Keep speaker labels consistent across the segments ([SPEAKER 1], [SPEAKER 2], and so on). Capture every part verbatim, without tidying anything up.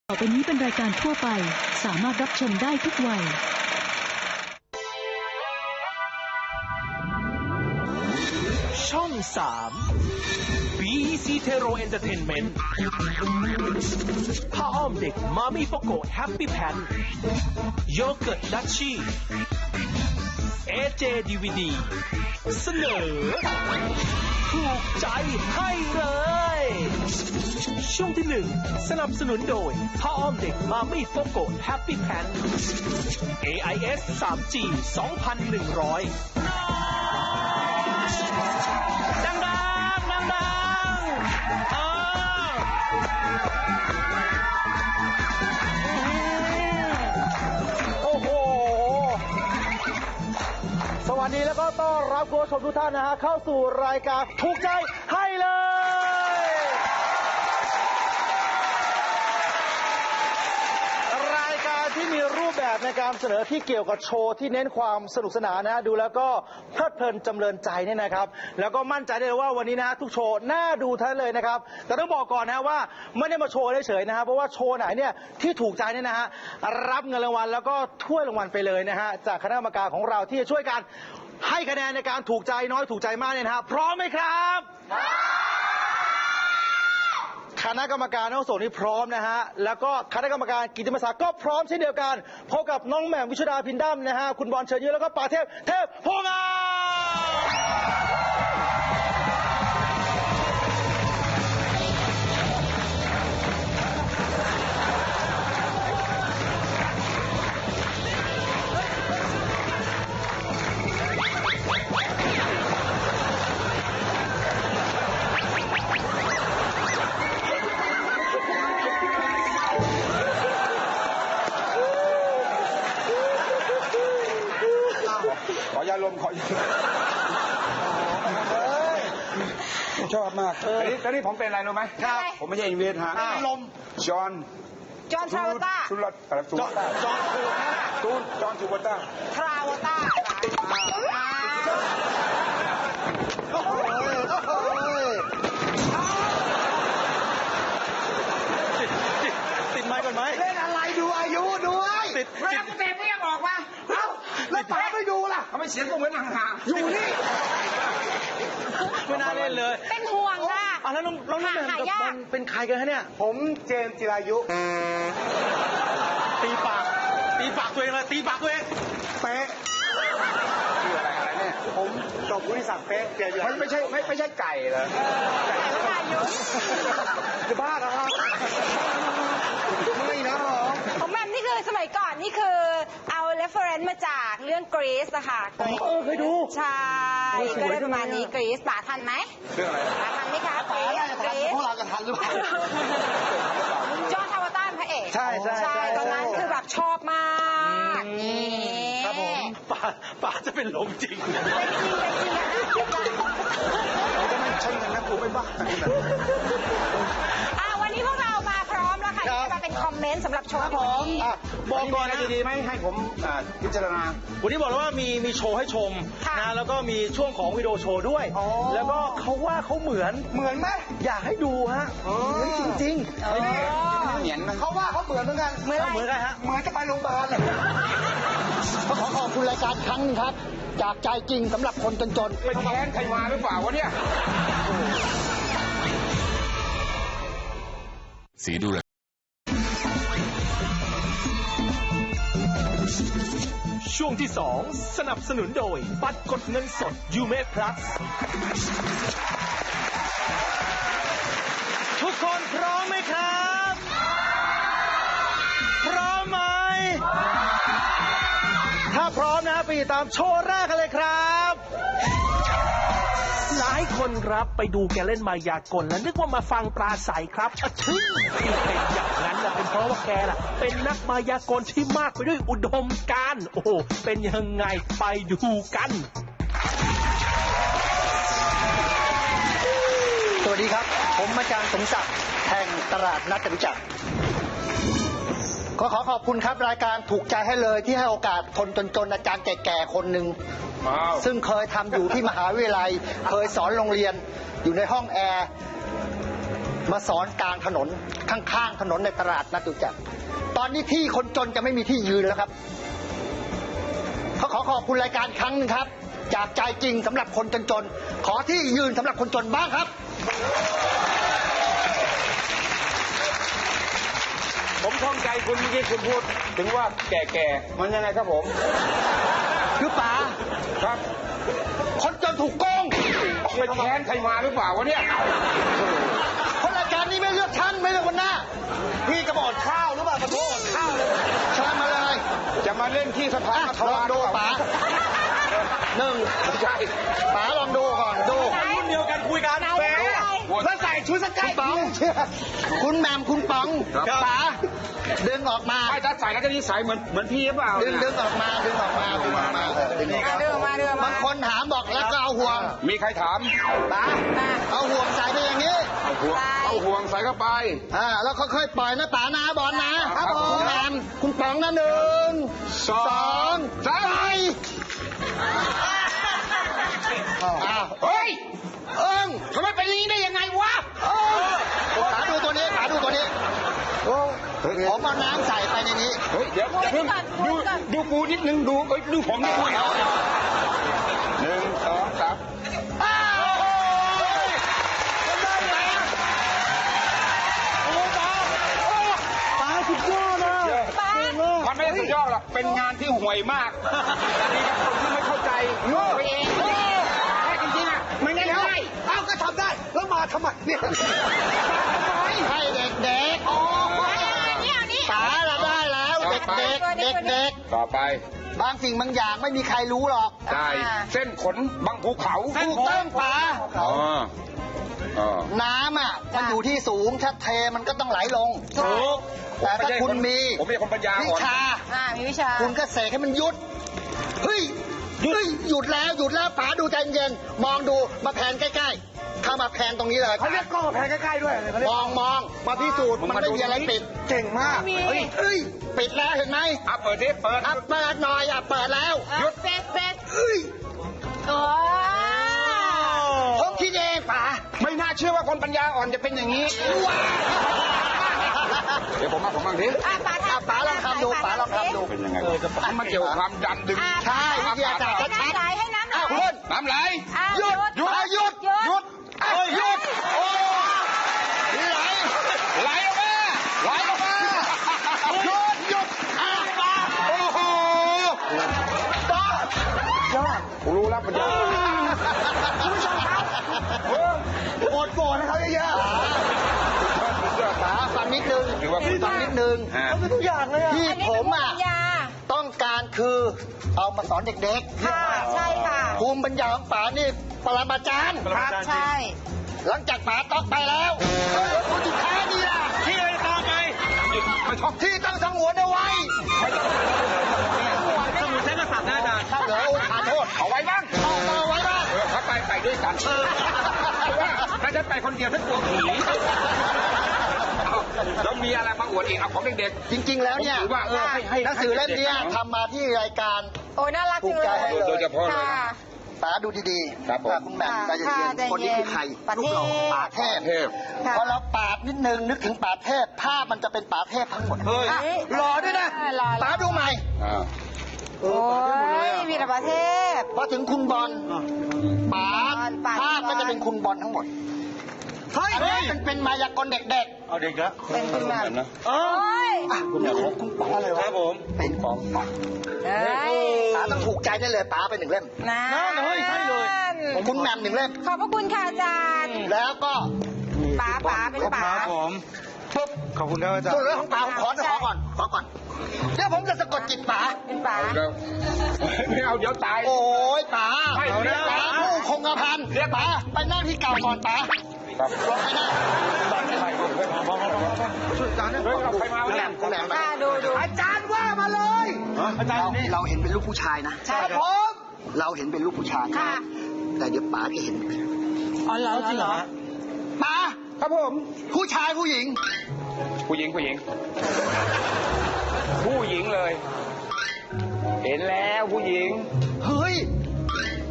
[SPEAKER 1] ต่อไปนี้เป็นรายการทั่วไปสามารถรับชมได้ทุกวัย
[SPEAKER 2] ช่องสาม บี อี ซี เทโรเอนเตอร์เทนเมนต์ผ้าอ้อมเด็กมามี่โฟโกแฮปปี้แพนโยเกิร์ตดัชชี่ เอ เจ ดี วี ดี เสนอถูกใจให้เลยช่วงที่หนึ่งสนับสนุนโดยผ้าอ้อมเด็กมามี่โฟโกแฮปปี้แพน เอ ไอ เอส ทรี จี สองพันหนึ่งร้อยดังดังดังดังอ่า
[SPEAKER 3] โอ้โหสวัสดีแล้วก็ต้อนรับคุณผู้ชมทุกท่านนะฮะเข้าสู่รายการถูกใจให้เลยรายการที่มีรูปแบบในการเสนอที่เกี่ยวกับโชว์ที่เน้นความสนุกสนานนะฮะดูแล้วก็เพลิดเพลินจำเริญใจเนี่ยนะครับแล้วก็มั่นใจได้เลยว่าวันนี้นะฮะทุกโชว์น่าดูทั้งเลยนะครับแต่ต้องบอกก่อนนะว่าไม่ได้มาโชว์เฉยๆนะครับเพราะว่าโชว์ไหนเนี่ยที่ถูกใจเนี่ยนะฮะรับเงินรางวัลแล้วก็ถ้วยรางวัลไปเลยนะฮะจากคณะกรรมการของเราที่จะช่วยกันให้คะแนนในการถูกใจน้อยถูกใจมากเนี่ยนะฮะพร้อมไหมครับคณะกรรมการทั้งสองนี้พร้อมนะฮะแล้วก็คณะกรรมการกิตติมศักดิ์ก็พร้อมเช่นเดียวกันพบกับน้องแหม่มวิชุดาพินดัมนะฮะคุณบอลเชิญยิ้มแล้วก็ป่าเทพเทพโพงาม
[SPEAKER 4] ขอยาลมขอยาชอบมากตอนนี้ตอนนี้ผมเป็นอะไรรู้ไหมครับผมไม่ใช่อินเวสฮะลมจอห์น
[SPEAKER 5] จอห์นทราวต้า
[SPEAKER 4] สุรอะไรสุรต้า
[SPEAKER 3] จอห์น
[SPEAKER 4] ตูนจอห์นสุรต้า
[SPEAKER 5] ทราวต้า
[SPEAKER 3] โอ้โหโอ้โหติดติดไม้ก่อนไหมเล่นอะไรดูอายุด้วยติด
[SPEAKER 5] เวลากูเตะไม่ยังออกมา
[SPEAKER 3] เอ้าแล้วป๋าไม่ดูล่ะ
[SPEAKER 4] ทำไมเสียงกูเหมือนห่างๆ
[SPEAKER 3] อยู่นี่ไม่น่าเล่นเลย
[SPEAKER 5] เป็นห่วงค่ะ
[SPEAKER 3] อ่ะแล้วน้องน้องแหม่มกับบอลเป็นใครกันฮะเนี่ยผมเจมส์จิรายุตีปากตีปากตัวเองเลยตีปากตัวเองเป๊ะ
[SPEAKER 4] ชื่ออะไรอะไรเนี่ย
[SPEAKER 3] ผมจบวุฒิศักดิ์เป๊ะเปลี่ยนอยู่
[SPEAKER 4] มันไม่ใช่ไม่ไม่ใช่ไก่เหรอ
[SPEAKER 5] ไก่อายุ
[SPEAKER 3] จะบ้าเหรอครับไม่นะหรอ
[SPEAKER 5] ของแม่นี่คือสมัยก่อนนี่คือเอา reference มาจากเรื่อง Grease อะค่ะ
[SPEAKER 3] เออเคยดู
[SPEAKER 5] ใช่ก็ได้ประมาณนี้ Grease ป๋าทันไหม
[SPEAKER 4] เรื่องอะไร
[SPEAKER 5] ป๋าทันไหมคะ Grease
[SPEAKER 3] พวกเราจะทันหรือเปล่า
[SPEAKER 5] จอห์นทราวต้าพระเอก
[SPEAKER 3] ใช่ใช่
[SPEAKER 5] ใช่ตอนนั้นคือแบบชอบมากนี่
[SPEAKER 3] ครับผมป๋าป๋าจะเป็นลมจริง
[SPEAKER 5] เป็นจริงเป็นจริงนะ
[SPEAKER 4] จะไม่ใช่กันนะกูไม่บ้า
[SPEAKER 5] วันนี้พวกเรามาพร้อมแล้วค่ะที่จะมาเป็นคอมเมนต์สำหรับโชว์
[SPEAKER 3] ผมบอกก่อนนะ
[SPEAKER 4] ดีๆไหมให้ผมพิจารณา
[SPEAKER 3] วันนี้บอกแล้วว่ามีมีโชว์ให้ชมนะแล้วก็มีช่วงของวิดีโอโชว์ด้วยแล้วก็เขาว่าเขาเหมือนเหมือนไหมอยากให้ดูฮะเหมือนจริงๆ
[SPEAKER 4] เหมือน
[SPEAKER 3] เขาว่าเขาเหมือนเหมือนกันเหมือนเหมือนกันฮะเหมือนจะไปโรงพยาบาล
[SPEAKER 6] ขอขอบคุณรายการครั้งนึงครับจากใจจริงสำหรับคนจนๆ
[SPEAKER 4] เป็นแค้นใครมาหรือเปล่าวะเนี่ย
[SPEAKER 2] สีดูเลยช่วงที่สองสนับสนุนโดยบัตรกดเงินสดยูเมพลัส
[SPEAKER 3] ทุกคนพร้อมไหมครับพร้อมไหมถ้าพร้อมนะไปตามโชว์แรกกันเลยครับ
[SPEAKER 2] หลายคนครับไปดูแกเล่นมายากลแล้วนึกว่ามาฟังปราศัยครับอะทึ่งที่เป็นอย่างนั้นนะเป็นเพราะว่าแกล่ะเป็นนักมายากลที่มากไปด้วยอุดมการณ์โอ้โหเป็นยังไงไปดูกัน
[SPEAKER 6] สวัสดีครับผมอาจารย์สมศักดิ์แห่งตลาดนัดจตุจักรขอขอขอบคุณครับรายการถูกใจให้เลยที่ให้โอกาสคนจนๆอาจารย์แก่ๆคนหนึ่งซึ่งเคยทำอยู่ที่มหาวิทยาลัยเคยสอนโรงเรียนอยู่ในห้องแอร์มาสอนกลางถนนข้างๆถนนในตลาดนัดจตุจักรตอนนี้ที่คนจนจะไม่มีที่ยืนแล้วครับเขาขอขอบคุณรายการครั้งหนึงครับจากใจจริงสำหรับคนจนๆขอที่ยืนสำหรับคนจนบ้างครับ
[SPEAKER 4] ผมข้องใจคุณเมื่อกี้คุณพูดถึงว่าแก่ๆมันยังไงครับผม
[SPEAKER 6] คือป๋า
[SPEAKER 4] ครับ
[SPEAKER 6] คนจนถูกโกง
[SPEAKER 4] ไปแค้นใครมาหรือเปล่าวะเนี่ย
[SPEAKER 6] คนรายการนี้ไม่เลือกฉันไม่เลือกคนหน้า
[SPEAKER 3] พี่จะบอกข้าวหรือเปล่าขอโทษข้าวเลย
[SPEAKER 6] เชิญมาเลย
[SPEAKER 4] จะมาเล่นที่สภา
[SPEAKER 6] อ่ะลองดูป๋าหนึ่ง
[SPEAKER 4] ไม่ใช่
[SPEAKER 6] ป๋าลองดูก่อนดู
[SPEAKER 3] รุ่นเดียวกันคุยกัน
[SPEAKER 5] ไหน
[SPEAKER 3] แหม
[SPEAKER 5] ไหน
[SPEAKER 3] แล้วใส่ชุดส
[SPEAKER 6] คุ
[SPEAKER 3] กั
[SPEAKER 6] ณ
[SPEAKER 3] ด
[SPEAKER 6] ป๋องคุณแหมมคุณป๋อง
[SPEAKER 4] ครับ
[SPEAKER 6] ป๋าดึงออกมา
[SPEAKER 4] ไอ้ถ้าใส่แล้วจะนิสัยเหมือนเหมือนพี่หรือเปล่า
[SPEAKER 6] ดึงดึงออกมาดึงออกมาดึงออกมาเออดึงออก
[SPEAKER 5] อ่ะ
[SPEAKER 6] มา
[SPEAKER 5] เดินมาเดินมา
[SPEAKER 6] บางคนถามบอกแล้วก็เอาห่วง
[SPEAKER 4] มีใครถาม
[SPEAKER 6] ป๋า
[SPEAKER 5] มา
[SPEAKER 6] เอาห่วงใส่ไปอย่างนี้
[SPEAKER 4] เอาห่วงเอาห่วงใส่เข้าไป
[SPEAKER 6] อ่าแล้วค่อยๆปล่อยนะป๋านะบอลนะครับ
[SPEAKER 4] ผม
[SPEAKER 6] คุณแหมมคุณป๋องนะหนึ่ง
[SPEAKER 4] สอง
[SPEAKER 6] สอง
[SPEAKER 4] สาม
[SPEAKER 6] ไปอ้าว
[SPEAKER 4] เฮ้ย
[SPEAKER 6] เอิง
[SPEAKER 4] ทำไมเป็นอย่างนี้ได้ยังไงวะ
[SPEAKER 6] เอิงป๋าดูตัวนี้ป๋าดูตัวนี้ผมเอาน้ำใส่ไปในนี้
[SPEAKER 4] เฮ้ยเดี๋ยวอย่าเพิ่งดูดูกูนิดนึงดูเอ้ยดูผมนิดนึงหนึ่งสองสาม
[SPEAKER 6] อ้าวป๋าสุดยอดนะ
[SPEAKER 5] ป้า
[SPEAKER 4] มันไม่ได้สุดยอดหรอกเป็นงานที่ห่วยมากมีกับคนที่ไม่เข้าใจโง่ไปเองแค่จริงๆอ่ะไม่ได้ง่าย
[SPEAKER 3] เอ้าก็ทำได้แล้วมาทำไมเนี่ย
[SPEAKER 6] ให้เด็ก
[SPEAKER 5] อ๋ออันนี้อันนี้
[SPEAKER 6] ๆป๋าเราได้แล้ว เด็กๆเด็ก
[SPEAKER 4] ต่อไป
[SPEAKER 6] ๆบางสิ่งบางอย่างไม่มีใครรู้หรอก
[SPEAKER 4] ได้เส้นขนบางภูเขา
[SPEAKER 6] ถูกต้องป๋า
[SPEAKER 4] อ๋ออ๋อ
[SPEAKER 6] น้ำอ่ะมันอยู่ที่สูงถ้าเทมันก็ต้องไหลลง
[SPEAKER 4] ถูก
[SPEAKER 6] แต่ถ้าคุณมี
[SPEAKER 4] ผมเป็นคนปัญญา
[SPEAKER 6] วิ
[SPEAKER 4] อ่อน
[SPEAKER 6] ชา
[SPEAKER 5] อ่ามีวิชา
[SPEAKER 6] คุณก็เสกให้มันหยุด เฮ้ย เฮ้ย หยุดแล้วหยุดแล้วป๋าดูใจเย็นๆมองดูมาแผนใกล้ๆเข้ามาแผนตรงนี้เลย
[SPEAKER 3] เขาเรียกกล้องมาแพนใกล้ๆด้วยเขาเรียก
[SPEAKER 6] มองมองมาพิสูจน์มันไม่มีอะไรปิด
[SPEAKER 3] เก่งมาก
[SPEAKER 5] มี
[SPEAKER 6] เฮ้ยเฮ้ย ปิดแล้วเห็นไหม
[SPEAKER 4] อ่ะเปิดดิเปิด
[SPEAKER 6] อ่ะเปิดหน่อยอ่ะเปิดแล้ว
[SPEAKER 5] หยุดเป็ดเป็ด
[SPEAKER 6] เฮ้ย
[SPEAKER 5] โอ้
[SPEAKER 6] ผมคิดเองป๋า
[SPEAKER 4] ไม่น่าเชื่อว่าคนปัญญาอ่อนจะเป็นอย่างนี้ เดี๋ยวผมมาผมบ้างดิ
[SPEAKER 5] อ่ะป๋า
[SPEAKER 6] อ่ะป๋าลองทำดูป๋าลองทำดู
[SPEAKER 4] เป็นยังไงมันมาเกี่ยวกับความดันดึง
[SPEAKER 6] ใช่วิทยาศาสตร์
[SPEAKER 5] ให้น้ำไหลให้น้ำไหล
[SPEAKER 6] อ้าวคุณ
[SPEAKER 4] น้ำไหล
[SPEAKER 5] อ่ะ
[SPEAKER 6] หยุด
[SPEAKER 5] หยุด
[SPEAKER 6] อ่ะหยุด
[SPEAKER 5] หยุด
[SPEAKER 6] หยุดอ่ะหยุดโอ้ไหล
[SPEAKER 4] ไหลออกมาไหลออกมา
[SPEAKER 6] หยุดหยุดอ่ะป๋า
[SPEAKER 4] โอ้โห
[SPEAKER 6] ป๋าย
[SPEAKER 3] อด
[SPEAKER 4] กูรู้แล้วปัญญา
[SPEAKER 3] คุณผู้ชมครับโกรธโกรธนะครับเยอะ
[SPEAKER 6] ป๋าฟังนิดนึง
[SPEAKER 4] ถือว่า
[SPEAKER 6] ฟังนิดนึง
[SPEAKER 4] ฮะ
[SPEAKER 3] ๆเขาเป็นทุกอย่างเลยอ่ะ
[SPEAKER 6] ที่
[SPEAKER 5] อันนี้
[SPEAKER 6] ผ
[SPEAKER 5] คือ
[SPEAKER 6] มอ่ะ
[SPEAKER 5] ปัญญา
[SPEAKER 6] ต้องการคือเอามาสอนเด็ก
[SPEAKER 5] ค่ะใช่ค่ะ
[SPEAKER 6] ๆ ภูมิปัญญาของป๋านี่ปรมาจารย์
[SPEAKER 5] ครับใช่
[SPEAKER 6] หลังจากป๋าต้องไปแล้วคนสุดท้ายนี่ล่ะ
[SPEAKER 3] ที่อะไรตามไป
[SPEAKER 4] ไม่ชอบ
[SPEAKER 6] ที่ต้องสงวนเอาไว้
[SPEAKER 3] สมุนใช้กษัตริย์นะอาจารย์
[SPEAKER 6] ถ้าเหลือโอ้ขอโทษ
[SPEAKER 4] เอาไว้บ้าง
[SPEAKER 6] เอามาไว้บ้าง
[SPEAKER 4] เออถ้าไปไปด้วยกันเพราะว่าถ้าฉันไปคนเดียวฉันกลัวผีเอาแล้วมีอะไรมาอวดอีกเอาของเด็ก
[SPEAKER 6] จริง ๆ แล้ว
[SPEAKER 4] ๆ
[SPEAKER 6] เนี่ย
[SPEAKER 4] ถือว่าเออให้ให้
[SPEAKER 6] หนังสือเล่มเนี้ยทำมาที่รายการ
[SPEAKER 5] โอ้น่ารัก
[SPEAKER 6] ภู
[SPEAKER 5] จัง
[SPEAKER 6] มิใจให้
[SPEAKER 5] เลย
[SPEAKER 6] เลย
[SPEAKER 4] โดยเฉพาะเลย
[SPEAKER 5] ค่ะ
[SPEAKER 6] ป๋าดูดีๆ
[SPEAKER 4] ครับผม
[SPEAKER 6] อ่ะคุณแหม่ม
[SPEAKER 5] ค่ะ
[SPEAKER 6] ใจเย็น
[SPEAKER 5] ค่ะ
[SPEAKER 6] ๆคนนี้คือใคร
[SPEAKER 5] ใจเย็น
[SPEAKER 6] รูปหล่อป๋าเทพ
[SPEAKER 4] เทพ
[SPEAKER 5] ค่ะ
[SPEAKER 6] พอเราปาดนิดนึงนึกถึงป๋าเทพภาพมันจะเป็นป๋าเทพทั้งหมด
[SPEAKER 3] เฮ้ย
[SPEAKER 5] อ่ะ
[SPEAKER 6] หล่อด้วยนะ
[SPEAKER 5] หล่อ
[SPEAKER 6] ป๋าดูใหม่
[SPEAKER 4] อ่า
[SPEAKER 6] เอ
[SPEAKER 5] โอ้
[SPEAKER 6] อป๋าเทพหมดเลย
[SPEAKER 5] ย
[SPEAKER 6] อ่ะ
[SPEAKER 5] วีรประเทพ
[SPEAKER 6] พอถึงคุณบอลป๋า
[SPEAKER 5] ป๋า
[SPEAKER 6] ภาพก็จะเป็นคุณบอลทั้งหมด
[SPEAKER 3] เฮ้ย
[SPEAKER 6] อันนี้มันเป็นมายากลเด็ก
[SPEAKER 3] เอาเด็กแล้ว
[SPEAKER 5] เป็นคุณแบบ
[SPEAKER 4] นะ
[SPEAKER 3] เอ
[SPEAKER 5] โอ้
[SPEAKER 3] อย
[SPEAKER 6] ๆอ่ะคุณของคุณป๋าอะไร
[SPEAKER 3] คว
[SPEAKER 6] ะ
[SPEAKER 3] รับผม
[SPEAKER 6] เป็นของป๋า
[SPEAKER 5] เอ้ย
[SPEAKER 6] ป๋าต้องถูกใจได้เลยป๋าไปหนึ่งเล่ม
[SPEAKER 5] นะ
[SPEAKER 3] นั่นเฮ้ยใช่เลย
[SPEAKER 6] ของคุณแหม่มหนึ่งเล่ม
[SPEAKER 5] ขอบพระคุณค่ะอาจารย์
[SPEAKER 6] แล้วก็
[SPEAKER 5] ป๋าป๋าเป็นป๋า
[SPEAKER 3] ครับผมปุ๊บขอบคุณครับอาจาร
[SPEAKER 6] ส่วน
[SPEAKER 3] ย์
[SPEAKER 6] เรื่องของป๋าผมขอขอก่อนขอก่อนเดี๋ยวผมจะสะกดจิตป๋า
[SPEAKER 5] เป็นป๋า
[SPEAKER 4] เอาแล้วไม่เอาเดี๋ยวตาย
[SPEAKER 6] โอ้ยป๋า
[SPEAKER 4] ไม่เอานะ
[SPEAKER 6] ป๋าผู้คงกระพันป๋าไปนั่งที่เก่าก่อนป๋า
[SPEAKER 4] ครับ
[SPEAKER 6] ลงไปนั่ง
[SPEAKER 3] ช่วยอาจารย์นะ
[SPEAKER 4] เฮ้ยเอาใครมา
[SPEAKER 6] คุณ
[SPEAKER 4] วะ
[SPEAKER 6] แหล
[SPEAKER 4] เนี่ย
[SPEAKER 6] มคุณแหลมมา
[SPEAKER 5] ค่ะดูดู
[SPEAKER 3] อาจารย์ว่ามาเลย อาจารย์
[SPEAKER 6] เรา
[SPEAKER 3] นี่
[SPEAKER 6] เราเห็นเป็นลูกผู้ชายนะ
[SPEAKER 5] ใช่
[SPEAKER 3] ผม
[SPEAKER 6] เราเห็นเป็นลูกผู้ชาย
[SPEAKER 5] ค่ะ
[SPEAKER 6] แต่เดี๋ยวป๋าจะเห็น
[SPEAKER 5] อ๋อเหรอ
[SPEAKER 3] จริงเหรอ
[SPEAKER 6] ป๋า
[SPEAKER 4] ครับผม
[SPEAKER 6] ผู้ชายผู้หญิง
[SPEAKER 4] ผู้หญิงผู้หญิง ผู้หญิงเลย เห็นแล้วผู้หญิง
[SPEAKER 6] เฮ้ย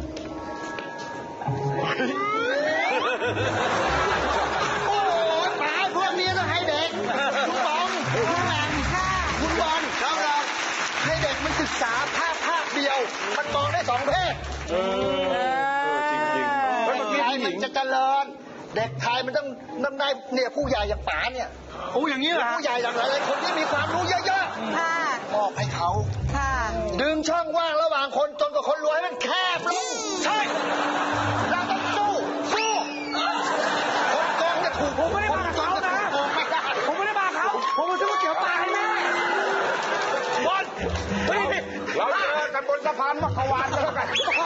[SPEAKER 6] โอ้ยป๋าศึกษาภาพภาพเดียว มันมองได้สองเพศ
[SPEAKER 4] เออจริงจริงๆ
[SPEAKER 6] เด็กไทยมันจะเจริญ เด็กไทยมันต้องต้องได้เนี่ยผู้ใหญ่อย่างป๋าเนี่ย
[SPEAKER 3] โอ้อย่างนี้เหรอ
[SPEAKER 6] ผู้ใหญ่อย่างหลายๆคนที่มีความรู้เยอะ
[SPEAKER 5] ค่ะ
[SPEAKER 6] ๆมอบให้เขา
[SPEAKER 5] ค่ะ
[SPEAKER 6] ดึงช่องว่างระหว่างคนจนกับคนรวยให้มันแคบลงใช่เราต้องสู้สู้คนโกงจะถูก
[SPEAKER 3] ผมไม่ได้มากับเขานะ
[SPEAKER 6] โกงไม่ได้
[SPEAKER 3] ผมไม่ได้มาเขา ผมมาซื้อก๋วยเตี๋ยวปลาให้แม่บอลเฮ้ย
[SPEAKER 4] เราเจอกันบนสะพานมักขวานแล้วกัน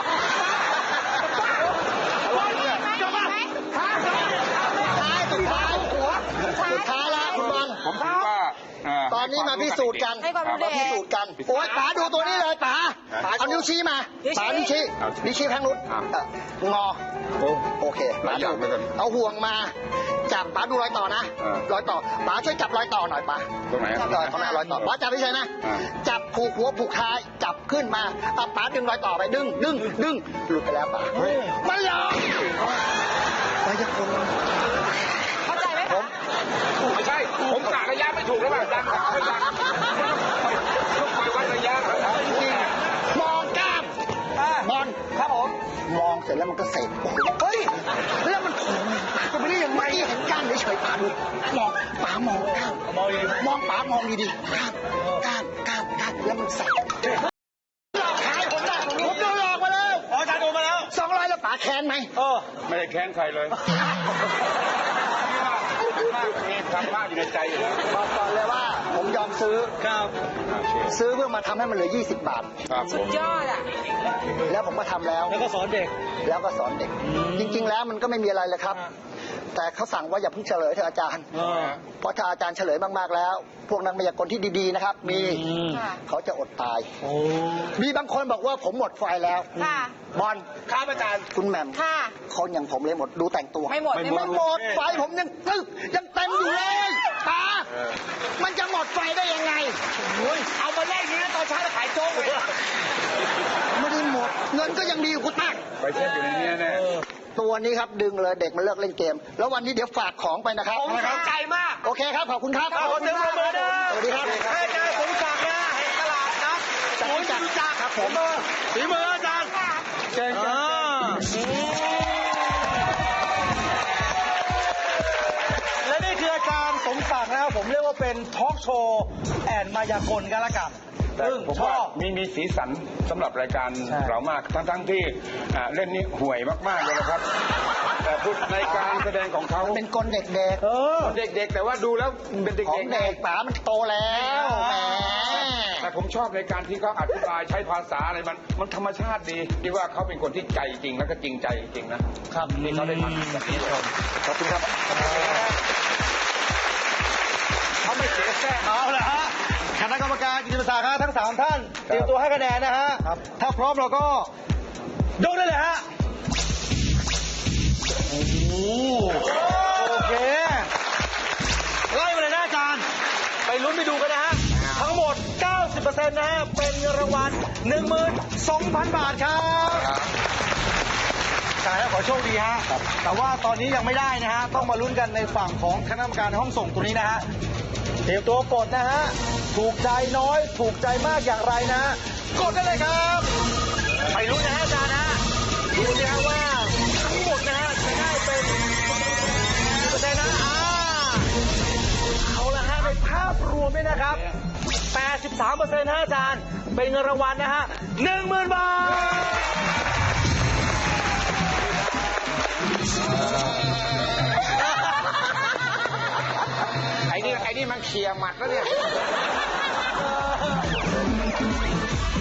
[SPEAKER 3] บอลจะมาหาใคร
[SPEAKER 6] ท้ายสุดท้ายหัวสุดท้ายแล้วคุณบอล
[SPEAKER 4] ผมถือว่าเ
[SPEAKER 6] ตอนนี้มาพิสูจน์กัน
[SPEAKER 5] ให้ความรู้เด็ก
[SPEAKER 6] มาพิสูจน์กันโอ้ยป๋าดูตัวนี้เลยป๋าเอานิ้วชี้มาป๋านิ้วชี้นิ้วชี้แพงนุชเอ่องอโอเค
[SPEAKER 4] หลายอย่างเหมือนกัน
[SPEAKER 6] เอาห่วงมาจับป๋าดูรอยต่อนะ
[SPEAKER 4] เออ
[SPEAKER 6] รอยต่อป๋าช่วยจับรอยต่อหน่อยป๋า
[SPEAKER 4] ตรงไหน
[SPEAKER 6] จับรอยข้างหน้ารอยต่อป๋าจับไม่ใช่นะ
[SPEAKER 4] อ่า
[SPEAKER 6] จับผูกหัวผูกท้ายจับขึ้นมาเอาป๋าดึงรอยต่อไปดึงดึงดึงหลุดไปแล้วป๋ามันหลอกมายากล
[SPEAKER 5] เข้าใจไหม
[SPEAKER 6] ผ
[SPEAKER 5] คะ
[SPEAKER 6] ม
[SPEAKER 4] ไม่ใช่ ผมกะระยะไม่ถูกแล้วแบบดังกับไม่ดังต้องคอยวัดระยะ
[SPEAKER 6] จริงๆมองกล้ามบอลครับผมมองเสร็จแล้วมันก็เสร็จเฮ้ยแล้วมันจะไม่ได้ยังไงเห็นกล้ามเฉยๆป๋าดูมองป๋ามองกล้ามมองมองป๋ามองดีๆกล้ามกล้ามกล้ามกล้ามแล้วมันใส่หลอกขายผมได้ผมโดนหลอกมาแล้ว
[SPEAKER 3] อ๋ออาจารย์โดนมาแล้ว
[SPEAKER 6] สองร้อยแล้วป๋าแค้นไหม
[SPEAKER 3] เออ
[SPEAKER 4] ไม่ได้แค้นใครเลยมีธรรมะอยู่ในใจอยู่แล้ว
[SPEAKER 6] บอกก่อนเลยว่าผมยอมซื้อ
[SPEAKER 3] ครับ
[SPEAKER 6] ซื้อเพื่อมาทำให้มันเหลือยี่สิบบาท
[SPEAKER 4] ครับผ
[SPEAKER 5] สุด
[SPEAKER 4] ม
[SPEAKER 5] ยอดอ่ะ
[SPEAKER 6] แล้วผมก็ทำแล้ว
[SPEAKER 3] แล้วก็สอนเด็ก
[SPEAKER 6] แล้วก็สอนเด็ก จริง ๆ แล้วมันก็ไม่มีอะไรเลยครับ แต่เขาสั่งว่าอย่าเพิ่งเฉลยเถอะอาจารย์
[SPEAKER 3] เออ
[SPEAKER 6] เพราะถ้าอาจารย์เฉลยมากๆแล้ว พวกนักมายากลที่ดีๆนะครับ มี
[SPEAKER 5] ค่ะ
[SPEAKER 6] เขาจะอดตาย
[SPEAKER 3] โอ้
[SPEAKER 6] มีบางคนบอกว่าผมหมดไฟแล้ว
[SPEAKER 5] ค่ะ
[SPEAKER 6] บอลครับอาจารย์คุณแหม่ม
[SPEAKER 5] ค่ะ
[SPEAKER 6] คนอย่างผมเลยหมดดูแต่งตัว
[SPEAKER 5] ไม่หมด
[SPEAKER 6] ไม่หมดไฟผมยังตึกยังเต็มอยู่เลยตามันจะหมดไฟได้ยังไง
[SPEAKER 3] เอามาแลกนี้ตอนเช้าจะขายโจ๊กเลย
[SPEAKER 6] ไม่ได้หมด เงินก็ยังดีอยู่กูตั้ง
[SPEAKER 4] ไปเช็คอยู่ในนี้แน่
[SPEAKER 6] ตัวนี้ครับดึงเลยเด็กมันเลิกเล่นเกม แล้ววันนี้เดี๋ยวฝากของไปนะครับ
[SPEAKER 3] ผมสนใจมาก
[SPEAKER 6] โอเคครับขอบคุณครับ
[SPEAKER 3] ขอเสียงปรบมือนะ
[SPEAKER 6] สวัสดีครับ
[SPEAKER 3] ให้อาจารย์สมศักดิ์นะแห่งตลาดนะ
[SPEAKER 6] จักรจักร
[SPEAKER 3] จักร
[SPEAKER 6] ครับผม
[SPEAKER 3] ฝีมืออาจารย์
[SPEAKER 5] ค่ะ
[SPEAKER 3] เชิญและนี่คืออาจารย์สมศักดิ์นะครับผมเรียกว่าเป็นทอล์กโชว์แอนมายากลกันละกัน
[SPEAKER 4] ๆแต่
[SPEAKER 3] ซึ่ง
[SPEAKER 4] ผม
[SPEAKER 3] ช
[SPEAKER 4] ว่า
[SPEAKER 3] อบ
[SPEAKER 4] มีมีสีสันสำหรับรายการ
[SPEAKER 3] ใช่
[SPEAKER 4] เรามาก ทั้งๆที่อ่าเล่นนี้ห่วยมากๆเลยนะครับ แต่พูดในการแสดงของเขา
[SPEAKER 6] เป็นกลเด็ก
[SPEAKER 3] เออ
[SPEAKER 4] เด็กๆ แต่ว่าดูแล้วเป็น
[SPEAKER 6] ๆ ของ
[SPEAKER 4] เด็กๆไง
[SPEAKER 6] เด็กป๋ามันโตแล้วแหม
[SPEAKER 4] แต่ผมชอบในการที่เขาอธิบายใช้ภาษาอะไรมันมันธรรมชาติดีที่ว่าเขาเป็นคนที่ใจจริงแล้วก็จริงใจจริงๆนะครับที่เขาได้ทำแบบนี้ชม
[SPEAKER 6] ขอบคุณครับ
[SPEAKER 3] เขาไม่เสียแทรกเอาละฮะคณะกรรมการกิจศาสตร์ครับทั้งสามท่านเตรียมตัวให้คะแนนนะฮะถ้าพร้อมเราก็ยกได้เลยฮะโอ้โหโอเคไล่มาเลยนะอาจารย์ ไปลุ้นไปดูกันนะฮะทั้งหมด เก้าสิบเปอร์เซ็นต์ นะฮะเป็นเงินรางวัล หนึ่งหมื่นสองพัน บาทครับกายขอโชคดีฮะแต่ว่าตอนนี้ยังไม่ได้นะฮะต้องมาลุ้นกันในฝั่งของคณะกรรมการในห้องส่งตัวนี้นะฮะเตรียมตัวกดนะฮะถูกใจน้อยถูกใจมากอย่างไรนะฮะกดได้เลยครับไปลุ้นนะฮะอาจารย์นะดูสิฮะว่าทั้งหมดนะฮะจะได้เป็นกี่เปอร์เซ็นต์นะอ่าเอาละฮะในภาพรวมเนี่ยนะครับ แปดสิบสามเปอร์เซ็นต์ นะอาจารย์ เป็นเงินรางวัลนะฮะ หนึ่งหมื่น บาท
[SPEAKER 4] ไอ้นี่ไอ้นี่มันเคลียร์หมัดแล้วเนี่ย